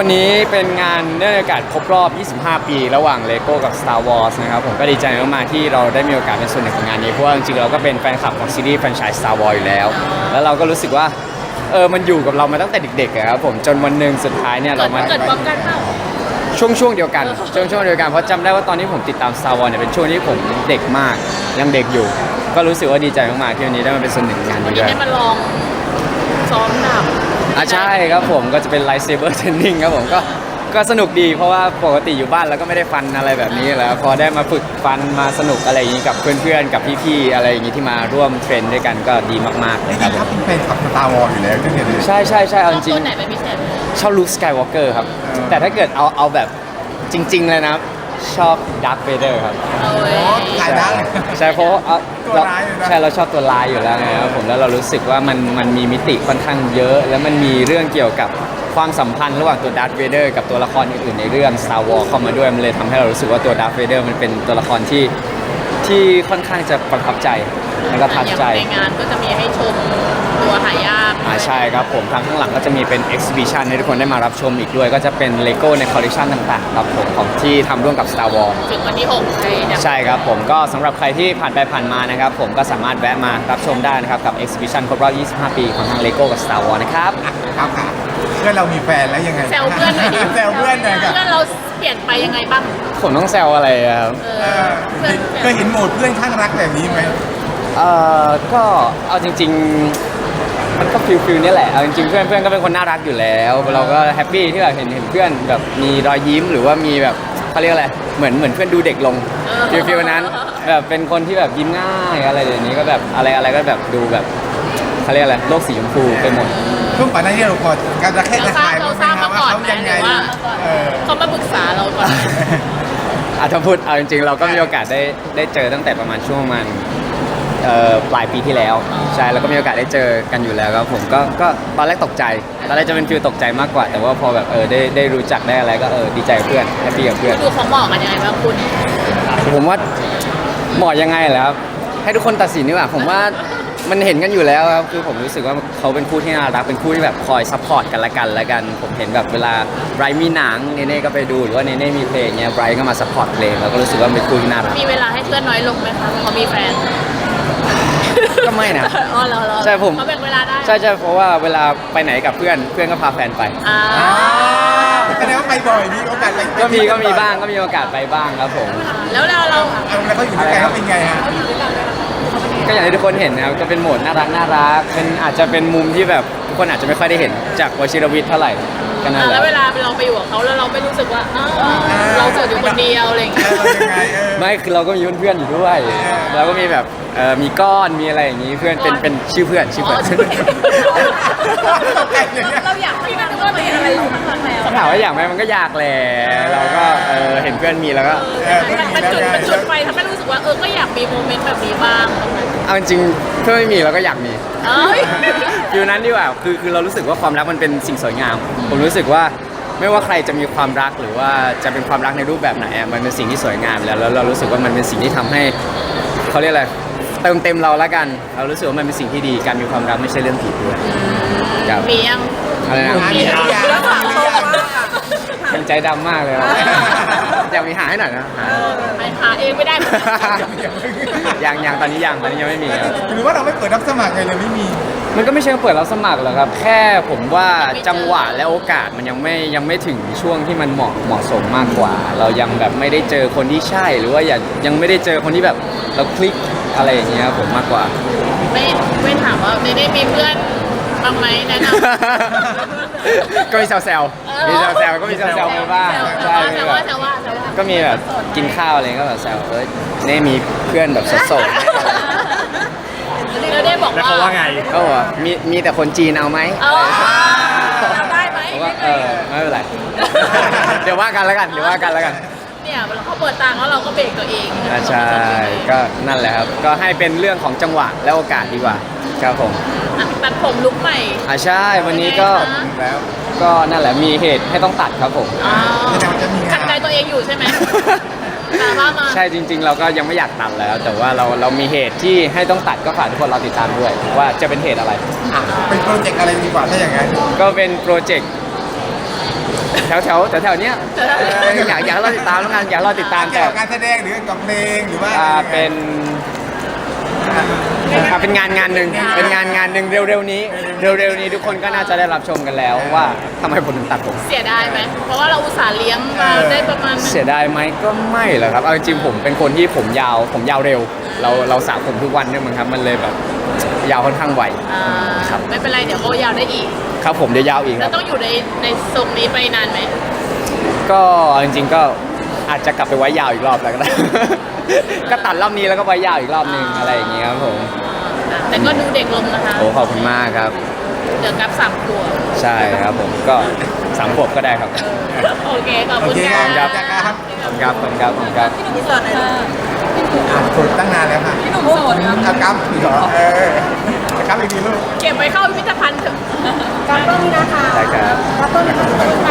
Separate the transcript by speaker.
Speaker 1: วันนี้เป็นงานเนื่องในโอกาสครบรอบ 25 ปีระหว่าง LEGO กับ Star Wars นะครับผมก็ดีใจมากๆที่เราได้มีโอกาสเป็นส่วนหนึ่งของงานนี้เพราะว่าจริงๆเราก็เป็นแฟนคลับของซีรีส์แฟรนไชส์ Star Wars อยู่แล้วแล้วเราก็รู้สึกว่ามันอยู่กับเรามาตั้งแต่เด็กๆอะครับผมจนวันหนึ่งสุดท้ายเนี่ยเรามา
Speaker 2: เกิดพร้อมกันเปล่า
Speaker 1: ช่วงเดียวกันช่วงเดียวกันเพราะจำได้ว่าตอนที่ผมติดตาม Star Wars เนี่ยเป็นช่วงที่ผมเด็กมากยังเด็กอยู่ก็รู้สึกว่าดีใจมากๆที่วันนี้ได้มาเป็นส่วนหนึ่งของงานนี้ด้วย
Speaker 2: ได้มาลองซ้อมดาบ
Speaker 1: ใช่ครับผมก็จะเป็น Lightsaber Training ครับผมก็สนุกดีเพราะว่าปกติอยู่บ้านแล้วก็ไม่ได้ฟันอะไรแบบนี้แล้วพอได้มาฝึกฟันมาสนุกอะไรอย่างนี้กับเพื่อนๆกับพี่ๆอะไรอย่างนี้ที่มาร่วมเทรนด้วยกันก็ดีมากๆเลยครับ
Speaker 3: ถ้าเป็นแฟนกับ Star Wars อยู่แล้วตั้งแต่เด็ก
Speaker 1: ใช่เอาจริง
Speaker 2: ตัวไหนเป็นพิเศษ
Speaker 1: ชอบ Luke Skywalker ครับแต่ถ้าเกิดเอาแบบจริงๆเลยนะชอบ Darth Vader ครับ
Speaker 3: ขายได้
Speaker 1: ใช่เพราะ
Speaker 3: ตัวร้ายเลยนะ
Speaker 1: ใช่เราชอบตัวร้ายอยู่แล้วไงครับผมแล้วเรารู้สึกว่ามันมีมิติค่อนข้างเยอะ แล้วมันมีเรื่องเกี่ยวกับความสัมพันธ์ระหว่างตัว Darth Vader กับตัวละครอื่นๆในเรื่อง Star Wars เข้ามาด้วยมันเลยทำให้เรารู้สึกว่าตัว Darth Vader มันเป็นตัวละครที่ค่อนข้างจะประทับใจแล้วก็ทัดใจ
Speaker 2: ในงานก็จะมีให้ชมตัวหายาก
Speaker 1: ใช่ครับผมทางข้างหลังก็จะมีเป็น exhibition ให้ทุกคนได้มารับชมอีกด้วยก็จะเป็น LEGO ใน collection ต่างๆครับผมของที่ทำร่วมกับ Star Wars
Speaker 2: ถึงวันที่6
Speaker 1: ใช่ครับผมก็สำหรับใครที่ผ่านไปผ่านมานะครับผมก็สามารถแวะมารับชมได้นะครับกับ exhibition ครบรอบ 25 ปีของทาง LEGO กับ Star Wars นะครับ
Speaker 3: ครับเพื่อนเรามีแฟนแล้วยังไง
Speaker 2: แซวเพื่อนหน่อยดิ
Speaker 3: แซวเพื่อนหน่อยครับ
Speaker 2: เพื่อนเราเปลี่ยนไปยังไงบ้าง
Speaker 1: ผมต้องแซวอะไรครับ
Speaker 3: เคยเห็นโหมดเพื่อนข้างรักแบบนี้ไหม
Speaker 1: ก็เอาจริงๆมันก็ฟิลนี่แหละเอาจริงๆเพื่อนก็เป็นคนน่ารักอยู่แล้วเราก็แฮปปี้ที่แบบเห็นเพื่อนแบบมีรอยยิ้มหรือว่ามีแบบเขาเรียกอะไรเหมือนเพื่อนดูเด็กลงฟิลนั้นแบบเป็นคนที่แบบยิ้มง่ายอะไรอย่างนี้ก็แบบอะไรก็แบบดูแบบเขาเรียกอะไรโลกสีชมพูไปหมด
Speaker 3: ช่วงก่อนหน้านี้เราพอการจะแค่ถ่าย
Speaker 2: เราทราบมาก่อน
Speaker 3: เขายังไง
Speaker 2: เขามาปรึกษาเราก่อน
Speaker 1: ถ้าพูดเอาจริงๆเราก็มีโอกาสได้เจอตั้งแต่ประมาณช่วงมันปลายปีที่แล้วใช่แล้วก็มีโอกาสได้เจอกันอยู่แล้วครับผมก็ตอนแรกตกใจตอนแรกจะเป็นฟิลตกใจมากกว่าแต่ว่าพอแบบได้รู้จักได้อะไรก็ดีใจเพื่อนแฮปปี้กับเพื่อน
Speaker 2: ดูเขาเหมาะกันยังไงบ้างคุณ
Speaker 1: ผมว่าเหมาะยังไงเหรอครับให้ทุกคนตัดสินดีกว่าผมว่ามันเห็นกันอยู่แล้วครับคือผมรู้สึกว่าเขาเป็นคู่ที่น่ารักเป็นคู่ที่แบบคอยซัพพอร์ตกันละกันผมเห็นแบบเวลาไบรท์มีหนังเนเน่ก็ไปดูหรือว่าเนเน่มีเพลงเงี้ยไบรท์ก็มาซัพพอร์ตเพลงเราก็รู้สึกว่าเป็นคู่ที่น่ารัก
Speaker 2: มีเวลาให้เพื่อนน้อยลงไหมคะเพราะมีแฟน
Speaker 1: ก็ไม่นะ
Speaker 2: อ๋อเหรอ
Speaker 1: ใช่ผม
Speaker 2: เขาแบ่งเวลาได้
Speaker 1: ใช่เพราะว่าเวลาไปไหนกับเพื่อนก็พาแฟนไป
Speaker 3: แสดงว่าไปบ่อยมีโอกาสไป
Speaker 1: ก็มีบ้างก็มีโอกาสไปบ้างครับผม
Speaker 2: แล้วเรา
Speaker 3: แล้วเขาอยู่ด้วยกันเขาเป็นไงฮะ
Speaker 1: ก็อย่างที่ทุกคนเห็นนะครับก็เป็นโหมดน่ารักเป็นอาจจะเป็นมุมที่แบบทุกคนอาจจะไม่ค่อยได้เห็นจากวชิรวิทย์เท่าไหร่กันนั่นแหละ
Speaker 2: แล้วเวลาเราไปอยู่กับเขาแล้วเราไม่รู้สึกว่าเราเจออยู่คนเดียวอะไรอย่างเงี้ย
Speaker 1: ไม่คือเราก็มีเพื่อนอยู่ด้วยเราก็มีแบบมีก้อนมีอะไรอย่างนี้เพื่อนเป็นชื่อเพื่อน
Speaker 2: เราอยากพี่มันก็เป็นอะไรอยู่ข้างใน
Speaker 1: ถามว่าอยากไหมมันก็อยากแหละเราก็เห็นเพื่อนมีแล้วก็
Speaker 2: มันจุดไฟทำให้รู้สึกว่าก็อยากมีโมเมนต์แบบนี้บ้าง
Speaker 1: เอาจริงเพื่อนไม่มีเราก็อยากมีฟิลนั้นดีกว่าคือเรารู้สึกว่าความรักมันเป็นสิ่งสวยงามผมรู้สึกว่าไม่ว่าใครจะมีความรักหรือว่าจะเป็นความรักในรูปแบบไหนมันเป็นสิ่งที่สวยงามแล้วเรารู้สึกว่ามันเป็นสิ่งที่ทำให้เขาเรียกอะไรเติมเต็มเราละกันเรารู้สึกว่ามันเป็นสิ่งที่ดีการมีความรักไม่ใช่เรื่องผิดด้วย
Speaker 2: มียัง
Speaker 1: อะไรนะ
Speaker 2: มีแล้วถามเขาว่า
Speaker 1: เป็นใจดำมากเลยอยากมีหาให้หน่อยนะ
Speaker 2: หาเองไม่ได้
Speaker 1: ยังตอนนี้ยังไม่มี
Speaker 3: หรือว่าเราไม่เปิดรับสมัครเลยไม่มี
Speaker 1: มันก็ไม่ใช่เปิดรับสมัครหรอกครับแค่ผมว่าจังหวะและโอกาสมันยังไม่ถึงช่วงที่มันเหมาะสมมากกว่าเรายังแบบไม่ได้เจอคนที่ใช่หรือว่ายังไม่ได้เจอคนที่แบบเราคลิกอะไรอย่างเงี้ยผมมากกว่า
Speaker 2: ไม่ถามว่าได้มีเพื่อนบ้างไหมแนะนำ
Speaker 1: ก็มีแซวก็มีแซวไปบ้างใช่ก็มีแบบกินข้าวอะไรก็แบบแซวนี่มีเพื่อนแบบโสด
Speaker 2: เราได้บอกว่า
Speaker 1: เขาว่าไงก็บอกมีแต่คนจีนเอาไหม
Speaker 2: ได้ไหม
Speaker 1: ไม่เป็นไรเดี๋ยวว่ากันแล้วกัน
Speaker 2: เนี่ยเขาเปิดตังแล้วเราก็เบรกตัวเอง
Speaker 1: ใช่ก็นั่นแหละครับก็ให้เป็นเรื่องของจังหวะและโอกาสดีกว่าครับผม
Speaker 2: ตัดผมลุกใหม่
Speaker 1: ใช่วันนี้ก็นั่นแหละมีเหตุให้ต้องตัดครับผม
Speaker 2: ขัดใจตัวเองอยู่ใช่ไหม
Speaker 1: ใช่จริงๆเราก็ยังไม่อยากตัดแล้วแต่ว่าเรามีเหตุที่ให้ต้องตัดก็ฝากทุกคนเราติดตามด้วยว่าจะเป็นเหตุอะไร
Speaker 3: เป็นโปรเจกต์อะไรดีกว่าถ้าอย่างนั้น
Speaker 1: ก็เป็นโปรเจกต์แถวเนี้ยอยากให้เราติดตามแล้วกันอยากให้เราติดตาม
Speaker 3: เกี่
Speaker 1: แต่
Speaker 3: ยวกับการแสดงหรือกับเพลงหรือว่า
Speaker 1: เป็นงานหนึ่งเป็นงานหนึ่งเร็วๆนี้ทุกคนก็น่าจะได้รับชมกันแล้วว่าทำไมผมถึงตัดผม
Speaker 2: เสียดายไหมเพราะว่าเราอุตส่าห์เลี้ยงมาได้ประมาณนึง
Speaker 1: เสียดายไหมก็ไม่หรอกครับเอาจริงๆผมเป็นคนที่ผมยาวเร็ว เราสระผมทุกวันเนี่ยมั้งครับมันเลยแบบยาวค่อนข้างไว
Speaker 2: อ่า
Speaker 1: ครับ
Speaker 2: ไม่เป็นไรเดี๋ยวโอยาวได้อีก
Speaker 1: ครับผมเดี๋ยวยาวอีกค
Speaker 2: แล้
Speaker 1: รั
Speaker 2: ว
Speaker 1: บ
Speaker 2: ต้องอยู่ในทรงนี้ไปนานไหม
Speaker 1: ก็เอาจริงๆก็อาจจะกลับไปไว้ยาวอีกรอบแล้วก็ได้ ก็ตัดรอบนี้แล้วก็ไว้ยาวอีกรอบนึงอะไรอย่างเงี้ยครับผม
Speaker 2: แต่ก็ดูเด็กลงนะคะ
Speaker 1: โอ้ขอบคุณมากครับ
Speaker 2: เดี๋ยวกับ3 ขวบ
Speaker 1: ใช่ครับผมก็3 ขวบก็ได้ครับ
Speaker 2: โอเคขอบ
Speaker 3: โอ
Speaker 2: คุณ
Speaker 3: เค
Speaker 2: ค่ะ
Speaker 3: ครับ
Speaker 1: ครับขอบคุณครับขอบคุณครับ
Speaker 2: พี่สอนหน่อยลูก
Speaker 3: ฝึกตั้งนานแล้วค่ะ
Speaker 2: พี่หนุ่มโสดครับ
Speaker 3: เอากำอีกเหรอกำอีกทีลูก
Speaker 2: เก็บไว้เข้าพิพิธภัณฑ์เถอะ
Speaker 1: ได้ครับ
Speaker 3: กำ